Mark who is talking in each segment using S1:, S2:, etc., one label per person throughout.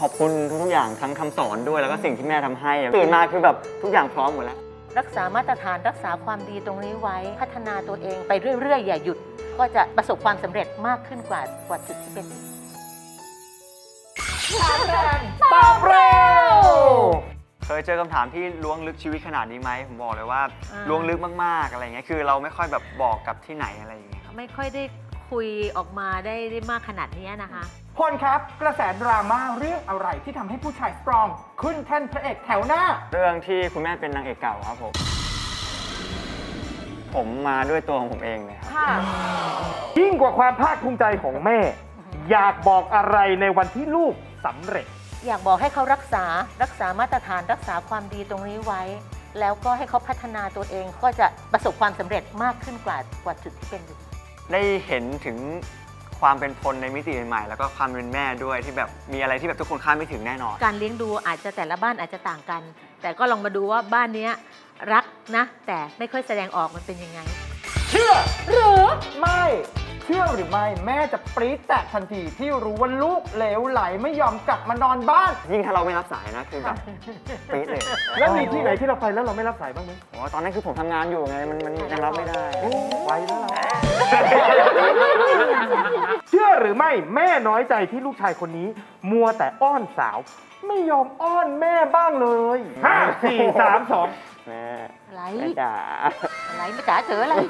S1: ขอบคุณทุกอย่างทั้งคำสอนด้วยแล้วก็สิ่งที่แม่ทำให้ตื่นมาคือแบบทุกอย่างพร้อมหมดแล้ว
S2: รักษามาตรฐานรักษาความดีตรงนี้ไว้พัฒนาตัวเองไปเรื่อยๆอย่าหยุดก็จะประสบความสำเร็จมากขึ้นกว่าจุดที่เป็น
S3: ตอบเร็ว
S1: เคยเจอคำถามที่ล้วงลึกชีวิตขนาดนี้ไหมผมบอกเลยว่าล้วงลึกมากๆอะไรเงี้ยคือเราไม่ค่อยแบบบอกกับที่ไหนอะไรอย่างเงี้ยครับ
S2: ไม่ค่อยได้คุยออกมาได้มากขนาดนี้นะคะ
S3: พลครับกระแสดราม่าเรื่องอะไรที่ทำให้ผู้ชายสตรองขึ้นแท่นพระเอกแถวหน้า
S1: เรื่องที่คุณแม่เป็นนางเอกเก่าครับผมมาด้วยตัวของผมเองเลยครับ
S3: ยิ่งกว่าความภาคภูมิใจของแม่ อยากบอกอะไรในวันที่ลูกสำเร็จ
S2: อยากบอกให้เขารักษามาตรฐานรักษาความดีตรงนี้ไว้ แล้วก็ให้เขาพัฒนาตัวเองก็จะประสบความสำเร็จมากขึ้นกว่าจุดที่เป็นอยู่
S1: ได้เห็นถึงความเป็นพลในมิติใหม่ๆแล้วก็ความเป็นแม่ด้วยที่แบบมีอะไรที่แบบทุกคนคาดไม่ถึงแน่นอน
S2: การเลี้ยงดูอาจจะแต่ละบ้านอาจจะต่างกัน แต่ก็ลองมาดูว่าบ้านนี้รักนะแต่ไม่ค่อยแสดงออกมันเป็นยังไง
S3: เชื่อหรือไม่เชื่อหรือไม่แม่จะปรี๊ดแตกทันทีที่รู้ว่าลูกเหลวไหลไม่ยอมกลับมานอนบ้าน
S1: ยิ่งถ้าเราไม่รับสายนะคือแบบปรี๊ดเลย
S3: แล้วมีที่ไหนที่เราไปแล้วเราไม่รับสายบ้างไหม
S1: อ๋อตอนนั้นคือผมทำงานอยู่ไงมันยังรับไม่ได้
S3: ไว้แล้วเชื่อหรือไม่แม่น้อยใจที่ลูกชายคนนี้มัวแต่อ้อนสาวไม่ยอมอ้อนแม่บ้างเลย5 4 3 2
S1: แม่
S2: อะไร
S1: จ๋า
S2: อะไรไม่จ๋าเจออะไร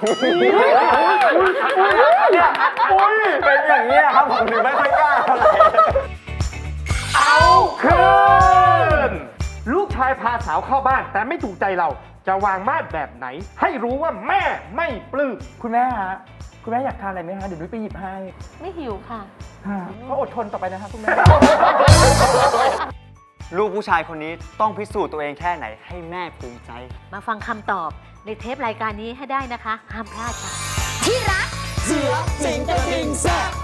S1: เนี่ยเป็นอย่างนี้ครับผมถึงไม่ค่อยกล้าอะไร
S3: เอาคืนลูกชายพาสาวเข้าบ้านแต่ไม่ถูกใจเราจะวางมาดแบบไหนให้รู้ว่าแม่ไม่ปลื้มคุณแม่ฮะคุณแม่อยากทานอะไรไหมฮะเดี๋ยวนุ้ยไปหยิบให้
S2: ไม่หิวค่ะ
S3: ก็อดทนต่อไปนะครับคุณแม่
S1: ลูกผู้ชายคนนี้ต้องพิสูจน์ตัวเองแค่ไหนให้แม่ภูมิใจ
S2: มาฟังคำตอบในเทปรายการนี้ให้ได้นะคะห้ามพลาดค่ะ
S4: ที่รักเสือสิงกระทิงแซ่บ